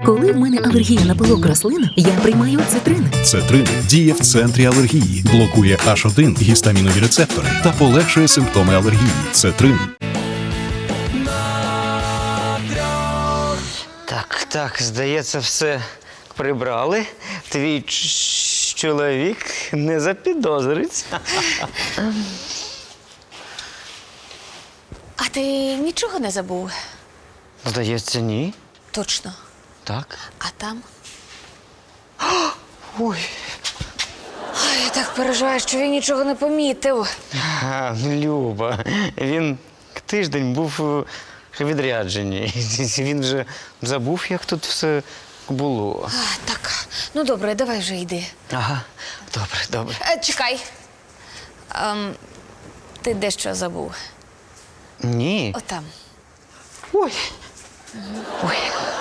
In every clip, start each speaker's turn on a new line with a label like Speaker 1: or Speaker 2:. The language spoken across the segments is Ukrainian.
Speaker 1: Коли в мене алергія на пилок рослин, я приймаю цитрин.
Speaker 2: Цетрин діє в центрі алергії, блокує H1 гістамінові рецептори та полегшує симптоми алергії. Цетрин.
Speaker 3: Так, здається, все прибрали. Твій чоловік не запідозрить.
Speaker 4: А ти нічого не забув?
Speaker 3: Здається, ні.
Speaker 4: Точно.
Speaker 3: Так.
Speaker 4: А там?
Speaker 3: Ой.
Speaker 4: Ай, я так переживаю, що він нічого не помітив.
Speaker 3: Люба, він тиждень був у відрядженні. Він вже забув, як тут все було.
Speaker 4: Так, ну добре, давай вже йди.
Speaker 3: Ага, добре.
Speaker 4: Чекай. Ти дещо забув.
Speaker 3: Ні.
Speaker 4: Отам.
Speaker 3: Ой. Ой.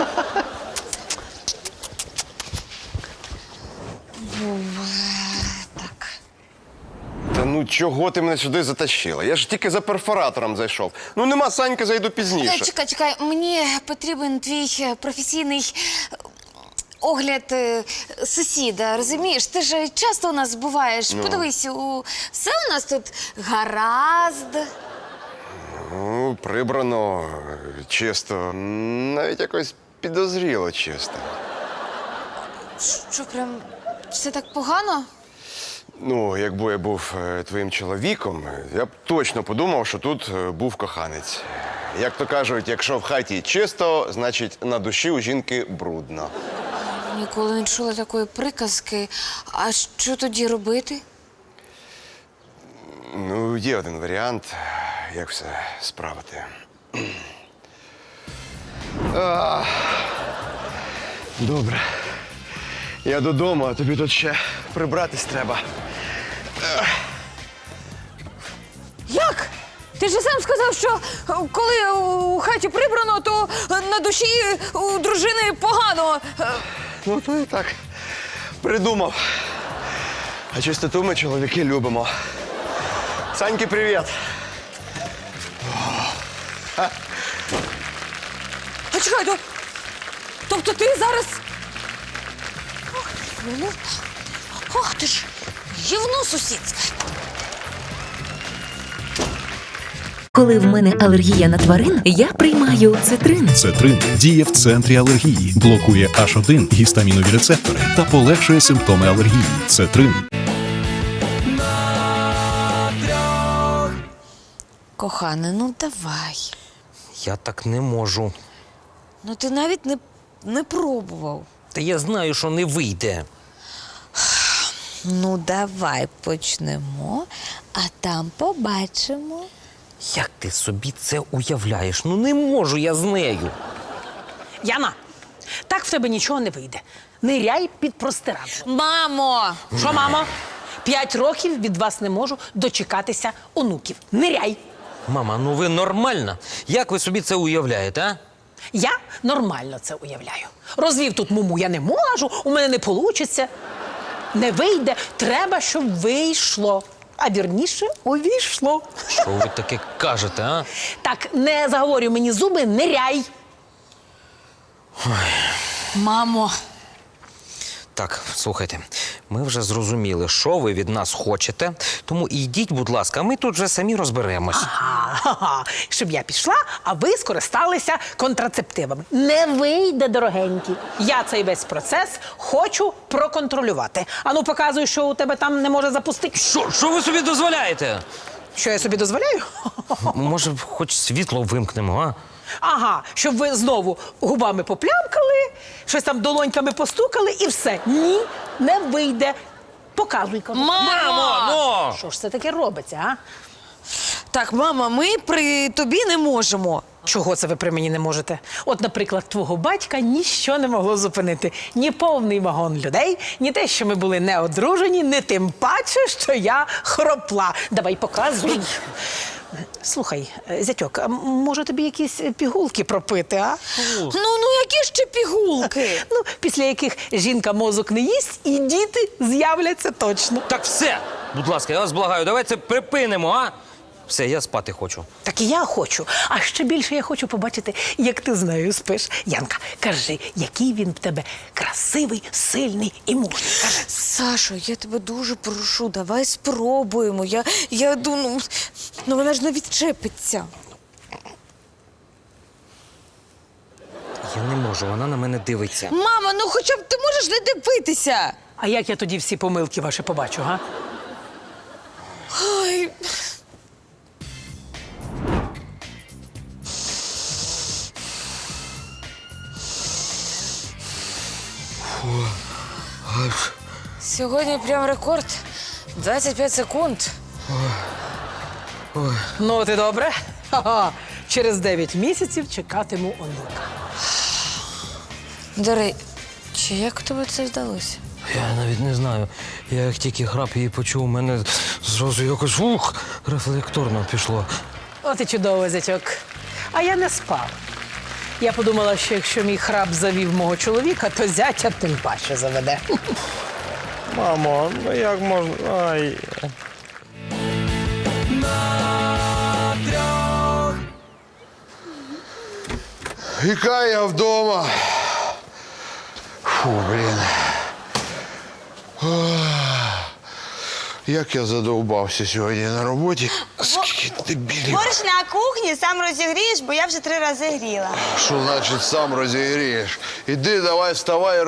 Speaker 4: Так.
Speaker 5: Та ну чого ти мене сюди затащила? Я ж тільки за перфоратором зайшов. Ну нема Санька, зайду пізніше.
Speaker 4: Чекай, мені потрібен твій професійний огляд сусіда, розумієш? Ти ж часто у нас буваєш. Подивись, все у нас тут гаразд.
Speaker 5: Ну, прибрано, чисто. Навіть якось підозріло чисто.
Speaker 4: Що, прям все так погано?
Speaker 5: Ну, якби я був твоїм чоловіком, я б точно подумав, що тут був коханець. Як то кажуть, якщо в хаті чисто, значить на душі у жінки брудно.
Speaker 4: Ніколи не чула такої приказки. А що тоді робити?
Speaker 5: Ну, є один варіант, як все справити. Добре. Я додому, а тобі тут ще прибратись треба.
Speaker 4: Як? Ти ж сам сказав, що коли у хаті прибрано, то на душі у дружини погано.
Speaker 5: Ну, то і так придумав. А чистоту ми, чоловіки, любимо. Саньки, привіт.
Speaker 4: А чекай, тобто ти зараз... Ох, ти ж гівно сусідське.
Speaker 1: Коли в мене алергія на тварин, я приймаю цитрин.
Speaker 2: Цетрин діє в центрі алергії, блокує H1 гістамінові рецептори та полегшує симптоми алергії. Цетрин.
Speaker 4: Кохане, ну давай.
Speaker 6: Я так не можу.
Speaker 4: Ну ти навіть не пробував.
Speaker 6: Та я знаю, що не вийде.
Speaker 4: Ну давай почнемо, а там побачимо.
Speaker 6: Як ти собі це уявляєш? Ну не можу я з нею.
Speaker 7: Яна, так в тебе нічого не вийде. Ниряй під простирадло.
Speaker 4: Мамо!
Speaker 7: Що, мамо? 5 років від вас не можу дочекатися онуків. Ниряй!
Speaker 6: Мама, ну ви нормальна? Як ви собі це уявляєте, а?
Speaker 7: Я нормально це уявляю. Розвів тут муму я не можу, у мене не вийде. Не вийде, треба, щоб вийшло. А вірніше, увійшло.
Speaker 6: Що ви таке кажете, а?
Speaker 7: Так, не заговорюй мені зуби, ниряй.
Speaker 4: Мамо!
Speaker 6: Так, слухайте, ми вже зрозуміли, що ви від нас хочете, тому йдіть, будь ласка, ми тут вже самі розберемось.
Speaker 7: Ага, щоб я пішла, а ви скористалися контрацептивами. Не вийде, дорогенькі. Я цей весь процес хочу проконтролювати. Ану, показуй, що у тебе там не може запустити.
Speaker 6: Що ви собі дозволяєте?
Speaker 7: Що я собі дозволяю?
Speaker 6: Може, хоч світло вимкнемо, а?
Speaker 7: Ага, щоб ви знову губами поплямкали, щось там долоньками постукали і все. Ні, не вийде. Показуй, кажу.
Speaker 6: Мамо!
Speaker 7: Що ж це таке робиться, а?
Speaker 4: Так, мама, ми при тобі не можемо.
Speaker 7: Чого це ви при мені не можете? От, наприклад, твого батька ніщо не могло зупинити. Ні повний вагон людей, ні те, що ми були не одружені, ні тим паче, що я хропла. Давай показуй. Слухай, зятьок, а може тобі якісь пігулки пропити, а?
Speaker 4: Ну, які ще пігулки?
Speaker 7: Ну, після яких жінка мозок не їсть, і діти з'являться точно.
Speaker 6: Так все! Будь ласка, я вас благаю, давайте це припинимо, а? Все, я спати хочу.
Speaker 7: Так і я хочу. А ще більше я хочу побачити, як ти з нею спиш. Янка, кажи, який він в тебе красивий, сильний і мужній. Кажи.
Speaker 4: Сашо, я тебе дуже прошу, давай спробуємо. Я думаю, ну вона ж не відчепиться.
Speaker 6: Я не можу, вона на мене дивиться.
Speaker 4: Мама, ну хоча б ти можеш не дивитися.
Speaker 7: А як я тоді всі помилки ваші побачу, га?
Speaker 4: Ой. Сьогодні прям рекорд. 25 секунд.
Speaker 7: Ну, от і добре. Ха-ха. Через 9 місяців чекатиму онука.
Speaker 4: До речі, як у тебе це вдалося?
Speaker 6: Я навіть не знаю. Я як тільки храп її почув, у мене зразу якось рефлекторно пішло.
Speaker 7: От і чудово, зятьок. А я не спав. Я подумала, що якщо мій храп завів мого чоловіка, то зятя тим паче заведе.
Speaker 6: Мамо, ну як можна? Ай.
Speaker 5: Яка я вдома. Фу, блін. Як я задовбався сьогодні на роботі. Скільки дебілів.
Speaker 8: Борщ на кухні сам розігрієш, бо я вже 3 рази гріла.
Speaker 5: Що значить сам розігрієш? Іди, давай, вставай,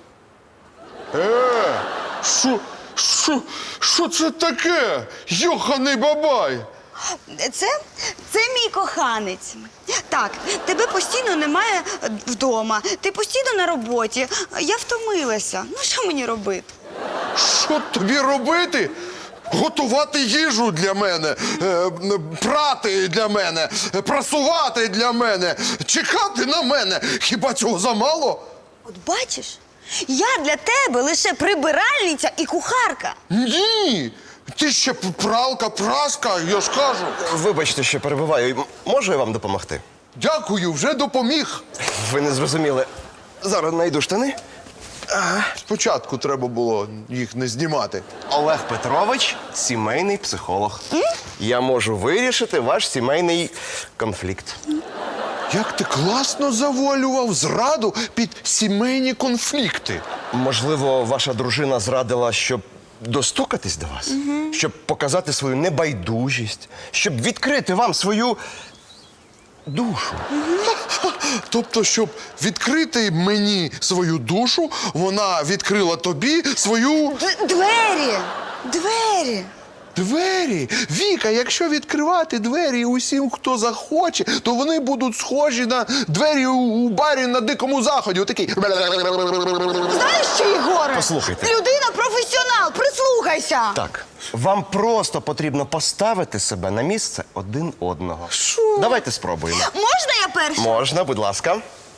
Speaker 5: Що це таке? Йоханий бабай!
Speaker 8: Це мій коханець. Так, тебе постійно немає вдома, ти постійно на роботі. Я втомилася. Ну що мені робити?
Speaker 5: Що тобі робити? Готувати їжу для мене, прати для мене, прасувати для мене, чекати на мене. Хіба цього замало?
Speaker 8: От бачиш, я для тебе лише прибиральниця і кухарка.
Speaker 5: Ні! Ти ще пралка, праска, я ж кажу.
Speaker 9: Вибачте, що перебиваю. Можу я вам допомогти?
Speaker 5: Дякую, вже допоміг.
Speaker 9: Ви не зрозуміли. Зараз знайду штани.
Speaker 5: Спочатку треба було їх не знімати.
Speaker 9: Олег Петрович – сімейний психолог. Я можу вирішити ваш сімейний конфлікт.
Speaker 5: Як ти класно завуалював зраду під сімейні конфлікти.
Speaker 9: Можливо, ваша дружина зрадила, щоб достукатись до вас? Щоб показати свою небайдужість? Щоб відкрити вам свою душу?
Speaker 5: Тобто, щоб відкрити мені свою душу, вона відкрила тобі свою...
Speaker 8: Двері! Двері!
Speaker 5: Двері! Віка, якщо відкривати двері усім, хто захоче, то вони будуть схожі на двері у барі на Дикому Заході. Отакий.
Speaker 8: Знаєш що, Єгоре?
Speaker 9: Послухайте.
Speaker 8: Людина професіонал, прислухайся!
Speaker 9: Так, вам просто потрібно поставити себе на місце один одного. Що? Давайте спробуємо.
Speaker 8: Можна я перша?
Speaker 9: Можна, будь ласка.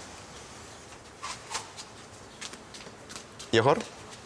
Speaker 9: Єгор?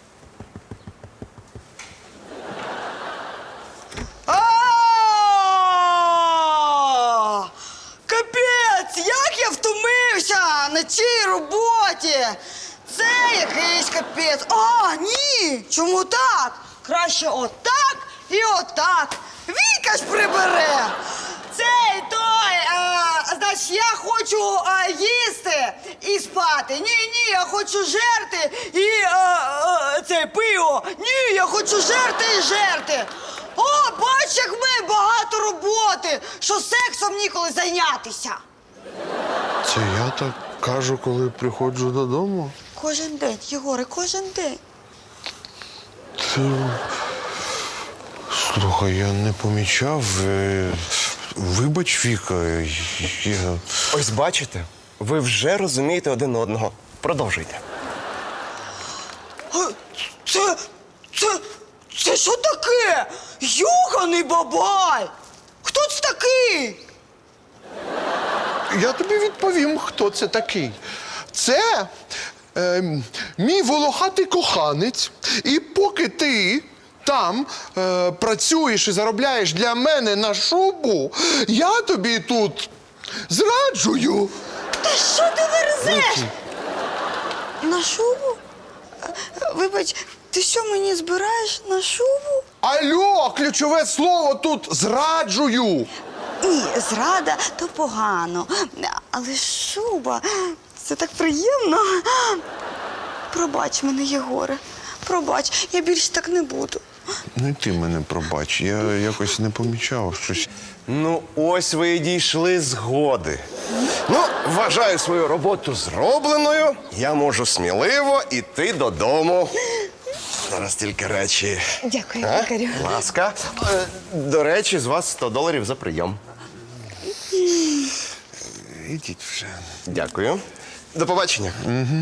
Speaker 8: Капець, як я втомився на цій роботі. Це якийсь капець. Ні, чому так? Краще отак і отак. Віка ж прибере. Цей той, значить, я хочу їсти і спати. Ні, я хочу жерти і це пиво. Ні, я хочу жерти і жерти. О, бач, як ми багато роботи, що сексом ніколи зайнятися.
Speaker 5: Це я так кажу, коли приходжу додому?
Speaker 8: Кожен день, Єгоре, кожен день.
Speaker 5: Слухай, я не помічав. Вибач, Віка, я...
Speaker 9: Ось бачите, ви вже розумієте один одного. Продовжуйте.
Speaker 8: Це що таке? Йоханий бабай! Хто це такий?
Speaker 5: Я тобі відповім, хто це такий. Це мій волохатий коханець. І поки ти там працюєш і заробляєш для мене на шубу, я тобі тут зраджую.
Speaker 8: Та що ти верзеш? На шубу? Вибач, ти що мені збираєш на шубу?
Speaker 5: Алло, ключове слово тут зраджую.
Speaker 8: Ні, зрада то погано. Але шуба, це так приємно. Пробач мене, Єгоре. Пробач, я більше так не буду.
Speaker 10: Ну і ти мене пробач, я якось не помічав щось.
Speaker 5: Ну, ось ви і дійшли згоди. Ну, вважаю свою роботу зробленою. Я можу сміливо йти додому. Зараз тільки речі.
Speaker 8: Дякую,
Speaker 5: А?
Speaker 8: лікарю.
Speaker 5: Будь ласка. До речі, з вас $100 за прийом.
Speaker 10: Ідіть вже.
Speaker 5: Дякую. До побачення.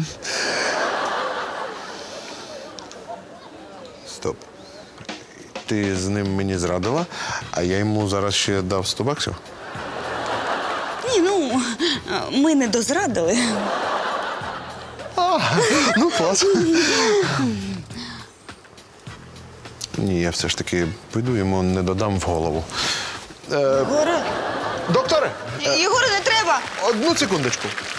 Speaker 10: Стоп. Ти з ним мені зрадила, а я йому зараз ще дав $100?
Speaker 8: Ні, ну, ми не дозрадили.
Speaker 10: Ну, клас. Ні, я все ж таки піду йому не додам в голову.
Speaker 8: Єгоре,
Speaker 10: Докторе,
Speaker 8: Єгоре, не треба!
Speaker 10: одну секундочку.